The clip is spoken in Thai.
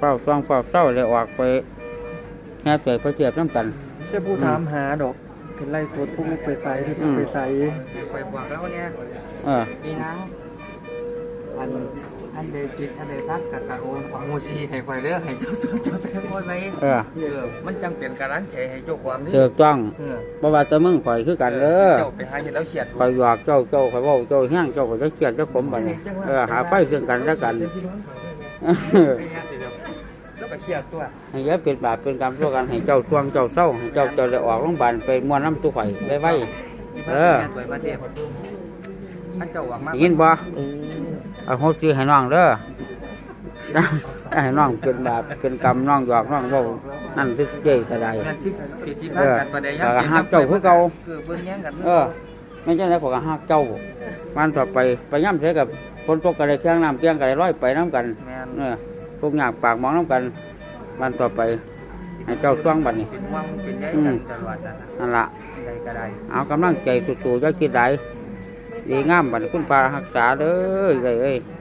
เฝ้าต้องเฝ้าเศร้าเลยออกไปแห่เสยไปเทียบน้ำกันจะผู้ถามหาดอกเป็นไล่สดพวกลูกไปใส่ที่พวกไปใส่ไปบอกแล้วเนี่ยเออมีนังอันเดจิตอันเดทัดกับกะโอนของมูซีให้ไฟเด้อให้เจ้าสวนเจ้าแซงไว้ไว้เออมันจังเป็นกำลังใจให้เจ้าความนี่เจอต้องบ่ว่าแต่มึงข่อยคือกันเด้อเจ้าไปหาเห็นแล้วเฉียดข่อยหยอกเจ้าข่อยเว้าเจ้าแห้งเจ้าข่อยจะเกลียดเจ้าขมบัดนี้หาไปซึ่งกันและกันแล้วก็เฉียดตัวให้อย่าเป็นบาปเป็นกรรมทั่วกันให้เจ้าช่วงเจ้าเศร้าให้เจ้าได้ออกโรงพยาบาลไปม่วนน้ำตู้ข่อยไว้ที่บ้านสวยประเทศท่านเจ้าหวังมากยินบ่เออเอาโหสิให้น้องเด้อ ให้น้องเป็นบาปเป็นกรรมน้องหยอกน้องเว้านั่นสิเจ้ก็ได้งานชิดสิจิบ้านกันประเดี๋ยวก็ฮักเจ้าคือเก่าคือเบิ่งแย่งกันไม่ใช่แล้วก็ฮักเจ้ามันต่อไปไปย่ำเสียกับฝนตกก็ได้แข้งน้ำเตียงก็ได้ร้อยไปน้ำกันแม่นพวกหยากปากมองน้ำกันมันต่อไปให้เจ้าช่วงบัดนี้เป็นวังเป็นใยกันตลอดนั่นนั่นละใดก็ได้เอากำลังใจสุดๆจะคิดได้ดีงามบัดนี้คุณปารักษาเด้อเอ้ย